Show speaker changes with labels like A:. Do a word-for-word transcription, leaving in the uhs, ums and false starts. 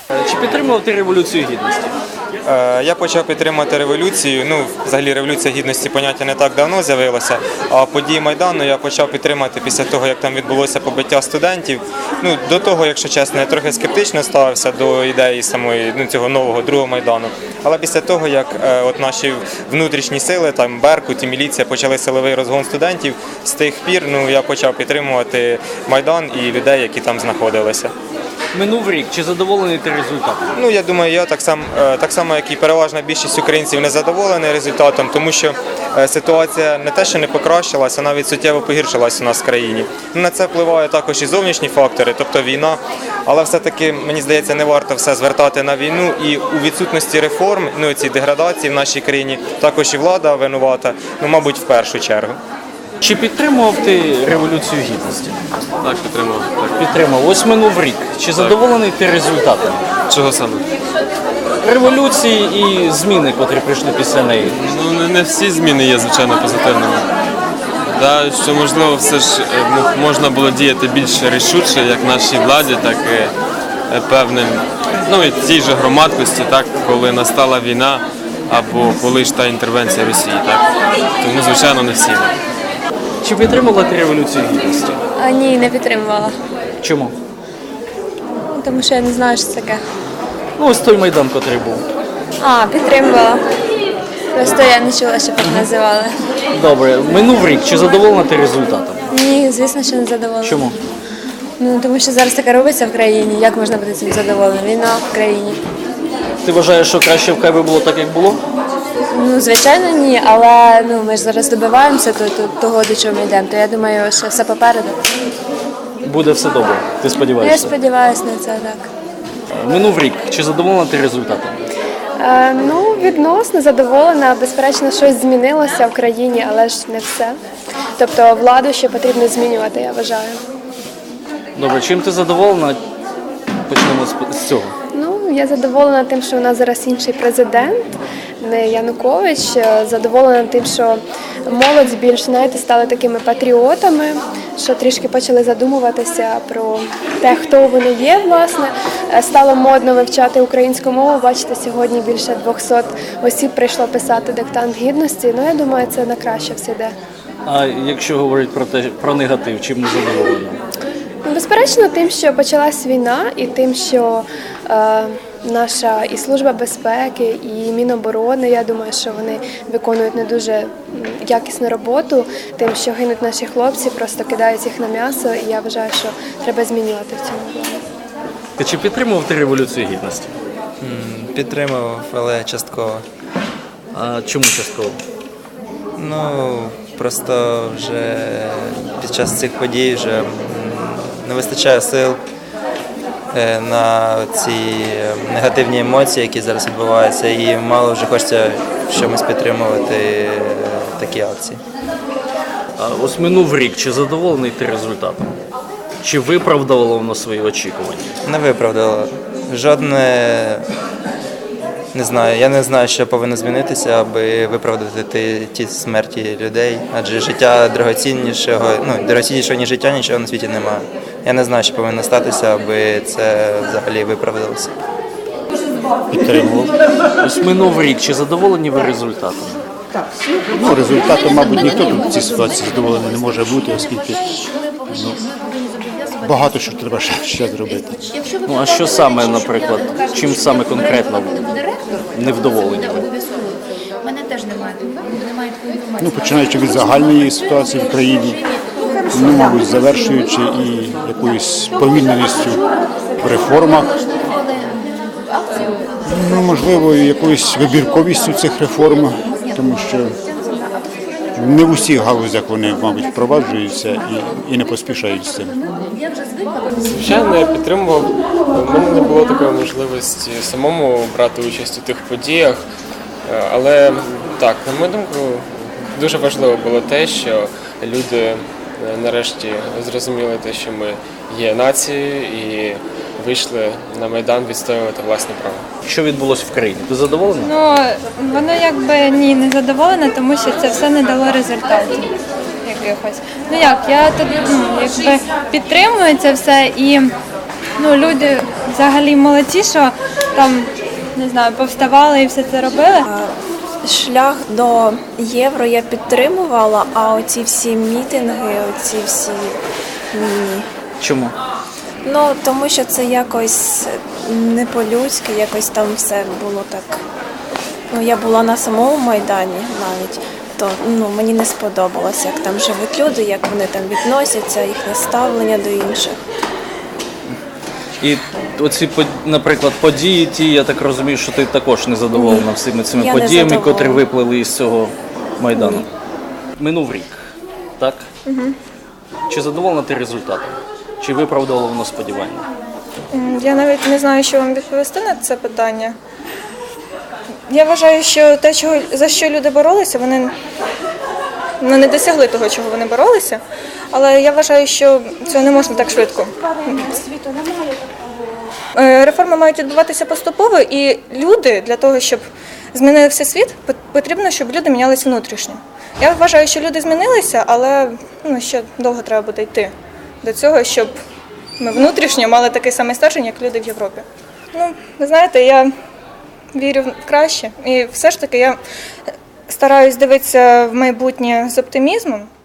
A: Чи підтримував ти Революцію Гідності?
B: Я почав підтримувати революцію. Ну, взагалі, Революція Гідності поняття не так давно з'явилося, а події Майдану я почав підтримати після того, як там відбулося побиття студентів. Ну, до того, якщо чесно, я трохи скептично ставився до ідеї самої, ну, цього нового другого Майдану. Але після того, як е, от наші внутрішні сили, там Беркут і міліція почали силовий розгон студентів, з тих пір ну, я почав підтримувати Майдан і людей, які там знаходилися.
A: Минув рік. Чи задоволений ти результатом?
B: Ну, я думаю, я так само, так само, як і переважна більшість українців, не задоволений результатом, тому що ситуація не те, що не покращилася, а навіть суттєво погіршилася у нас в країні. На це впливає також і зовнішні фактори, тобто війна, але все-таки, мені здається, не варто все звертати на війну, і у відсутності реформ, ну, ці деградації в нашій країні, також і влада винувата, ну, мабуть, в першу чергу.
A: Чи підтримував ти Революцію Гідності?
C: Так, підтримував. Так.
A: Підтримав. Ось минув рік. Чи задоволений ти результатом?
C: Чого саме?
A: Революції і зміни, котрі прийшли після неї.
C: Ну, не, не всі зміни є, звичайно, позитивними. Да, що, можливо, все ж можна було діяти більш рішуче, як нашій владі, так і певним, ну, і тій же громадськості, так, коли настала війна або коли ж та інтервенція Росії. Так. Тому, звичайно, не всі.
A: Чи підтримувала ти Революцію Гідності?
D: А, ні, не підтримувала.
A: Чому?
D: Тому що я не знаю, що це таке.
A: Ну, ось той Майдан, котрий був.
D: А, підтримувала. Просто я не чула, щоб так називали.
A: Добре. Минув рік. Чи задоволена ти результатом?
D: Ні, звісно, що не задоволена.
A: Чому?
D: Ну, тому що зараз таке робиться в країні. Як можна бути цим задоволеним? Війна в країні.
A: Ти вважаєш, що краще в Києві було так, як було?
D: Ну, звичайно, ні, але ну, ми ж зараз добиваємося то, то, того, до чого ми йдемо. То я думаю, що все попереду.
A: Буде все добре. Ти
D: Я
A: сподіваєшся?
D: сподіваюся на це, так.
A: Минув рік. Чи задоволена ти результатом?
E: Е, ну, відносно задоволена. Безперечно, щось змінилося в країні, але ж не все. Тобто владу ще потрібно змінювати, я вважаю.
A: Добре. Чим ти задоволена? Почнемо з- з цього.
E: Ну, я задоволена тим, що у нас зараз інший президент, не Янукович. Задоволена тим, що молодь більш, знаєте, стали такими патріотами, що трішки почали задумуватися про те, хто вони є, власне. Стало модно вивчати українську мову. Бачите, сьогодні більше двохсот осіб прийшло писати диктант гідності. Ну, я думаю, це на краще все йде.
A: А якщо говорити про те, про негатив, чим не задоволена?
E: Ну, безперечно, тим, що почалась війна, і тим, що е, наша і Служба безпеки, і Міноборони, я думаю, що вони виконують не дуже м, якісну роботу, тим, що гинуть наші хлопці, просто кидають їх на м'ясо, і я вважаю, що треба змінювати в цьому плані.
A: Ти чи підтримував ти Революцію Гідності?
F: Підтримував, але частково.
A: А чому частково?
F: Ну, просто вже під час цих подій вже м, не вистачає сил е, на ці негативні емоції, які зараз відбуваються, і мало вже хочеться чомусь підтримувати е, такі акції.
A: А ось минув рік. Чи задоволений ти результатом? Чи виправдало воно свої очікування?
F: Не виправдало. Жодне, не знаю, я не знаю, що повинно змінитися, аби виправдати ті, ті смерті людей, адже життя дорогоціннішого, ну, дорогоціннішого, ніж життя, нічого на світі немає. Я не знаю, що повинно статися, аби це взагалі виправдалося.
G: Підтримував.
A: Ось минув рік. Чи задоволені ви результатом?
G: Ну, результатом, мабуть, ніхто тут в цій ситуації задоволений не може бути, оскільки ну, багато що треба ще, ще зробити.
A: Ну а що саме, наприклад, чим саме конкретно невдоволені ви?
H: Мене теж немає. Немає такої інформації.
G: Ну, починаючи від загальної ситуації в країні, ну, мабуть, завершуючи і якоюсь повільненістю в реформах, ну, можливо, і якоюсь вибірковістю цих реформ, тому що не в усіх галузях вони, мабуть, впроваджуються і, і не поспішають з цим.
C: Звичайно, я підтримував. У мене не було такої можливості самому брати участь у тих подіях. Але так, на мою думку, дуже важливо було те, що люди нарешті зрозуміли те, що ми є нацією і вийшли на Майдан відстоювати власні права.
A: Що відбулося в країні? Ти задоволена?
I: Ну, воно якби ні, не задоволена, тому що це все не дало результатів якихось. Ну як, я тут ну, якби підтримую це все і ну, люди взагалі молодці, що там, не знаю, повставали і все це робили.
D: Шлях до євро я підтримувала, а оці всі мітинги, оці всі ні.
A: Чому?
D: Ну, тому що це якось не по-людськи, якось там все було так. Ну, я була на самому Майдані навіть, то ну, мені не сподобалося, як там живуть люди, як вони там відносяться, їхнє ставлення до інших.
A: І оці, по- наприклад, події ті, я так розумію, що ти також не задоволена всіми цими
D: Я не
A: подіями,
D: задоволена.
A: котрі виплили із цього Майдану. Минув рік, так? Угу. Чи задоволена ти результатом? Чи виправдало воно сподівання?
J: М, Я навіть не знаю, що вам відповісти на це питання. Я вважаю, що те, чого, за що люди боролися, вони ну, не досягли того, чого вони боролися. Але я вважаю, що цього не можна так швидко. Е, Реформи мають відбуватися поступово, і люди для того, щоб змінився світ, пот- потрібно, щоб люди мінялися внутрішньо. Я вважаю, що люди змінилися, але ну, ще довго треба буде йти до цього, щоб ми внутрішньо мали такий самий стержень, як люди в Європі. Ну, ви знаєте, я вірю в краще. І все ж таки я стараюсь дивитися в майбутнє з оптимізмом.